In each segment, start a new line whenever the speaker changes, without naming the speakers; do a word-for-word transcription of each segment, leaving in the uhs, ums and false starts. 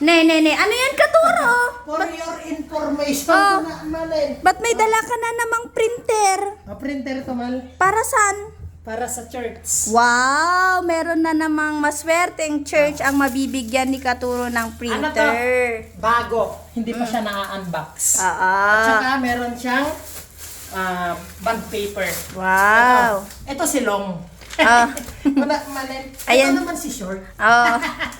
Ne, ne, ne. Ano yan, Katuro?
For your information,
Oh.
na malin.
Ba't may dala ka na namang printer?
A printer to mal
Para saan?
para sa church.
Wow! Meron na namang maswerteng church ang mabibigyan ni Katuro ng
Ano to?
printer.
Bago. Hindi pa siya na-unbox.
Ah,
At
ah.
saka meron siyang ah, bond paper.
Wow!
Ito, ito si Long.
Ah.
Wala, malin. Ito
Ayan.
naman si Short.
Oh.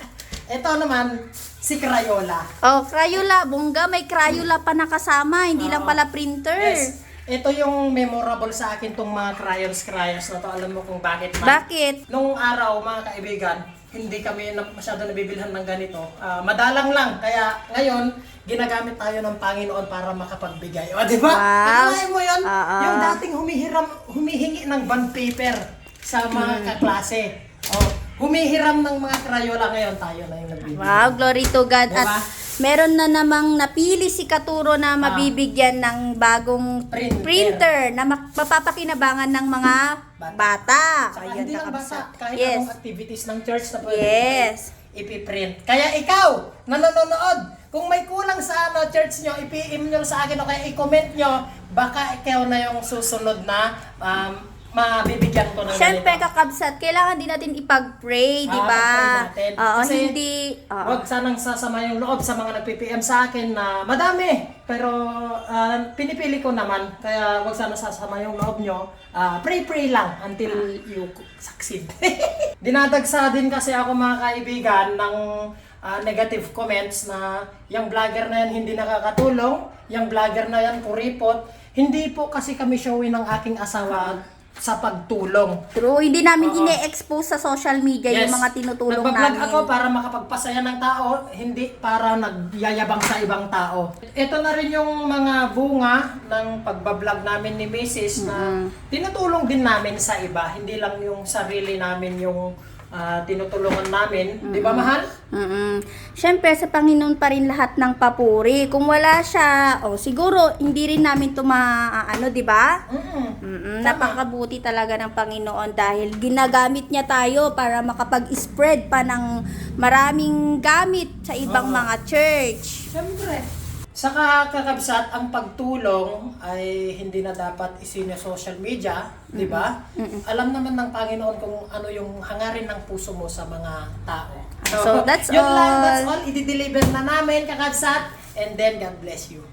Ito naman si Crayola.
Oh, Crayola. Bongga, may Crayola pa nakasama. Hindi lang
Oo.
pala printer.
Yes. Ito yung memorable sa akin tong mga crayons crayons na to. Alam mo kung bakit man.
Bakit?
Nung araw, mga kaibigan, hindi kami na, masyado nabibilhan ng ganito. Ah, madalang lang. Kaya ngayon, ginagamit tayo ng Panginoon para makapagbigay. O, di ba?
Wow.
Nakalain mo yun?
Oo.
Yung dating humihiram, humihingi ng bond paper sa mga
Hmm.
kaklase. O, humihiram ng mga Crayola ngayon, tayo na yung nagbibigay.
Wow, glory to God.
Diba?
At meron na namang napili si Katuro na mabibigyan ng bagong
Printer.
printer, na mak- mapapakinabangan ng mga bata.
Saka
Ayun,
hindi lang basta,
kakabsat.
kahit
Yes.
anong activities ng church na pwede
Yes.
ipiprint. Kaya ikaw, nanonood, kung may kulang sa ano, church nyo, i-P M nyo sa akin o kaya i-comment nyo, baka ikaw na yung susunod na um, mabibigyan ko ng
Siyempre,
ganito.
kakabsat, kailangan din natin ipag-pray, di
Ah,
ba?
pag-pray natin.
Oo,
Kasi
hindi... oo.
Huwag sanang sasama yung loob sa mga nag-P P M sa akin na madami. Pero ah, pinipili ko naman. Kaya huwag sana sasama yung loob nyo. Ah, pray-pray lang until you succeed. Dinadagsa din kasi ako mga kaibigan ng ah, negative comments na yung vlogger na yan hindi nakakatulong. Yung vlogger na yan kuripot. Hindi po kasi kami showin ng aking asawa sa pagtulong.
True, hindi namin
Oo.
ine-expose sa social media yung mga tinutulong
Nagbablog
namin.
ako para makapagpasaya ng tao, hindi para nagyayabang sa ibang tao. Ito na rin yung mga bunga ng pagbablog namin ni Missus na tinutulong din namin sa iba. Hindi lang yung sarili namin yung ah, tinutulungan namin. Di ba, mahal?
Mm-mm. Siyempre, sa Panginoon pa rin lahat ng papuri. Kung wala siya, oh, siguro, hindi rin namin ito maaano, di ba?
Mm.
Mm-mm. Napakabuti talaga ng Panginoon dahil ginagamit niya tayo para makapag-spread pa ng maraming gamit sa ibang
Oo.
mga church.
Siyempre. Saka kakabsat, ang pagtulong ay hindi na dapat isinyo social media, di ba? Alam naman ng Panginoon kung ano yung hangarin ng puso mo sa mga tao.
So, that's
yun lang,
all.
that's all. I-deliver na namin, kakabsat. And then, God bless you.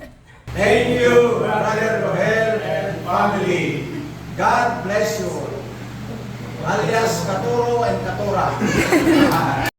Thank you, Brother Rohel and family. God bless you. Alias Katuro and Katura.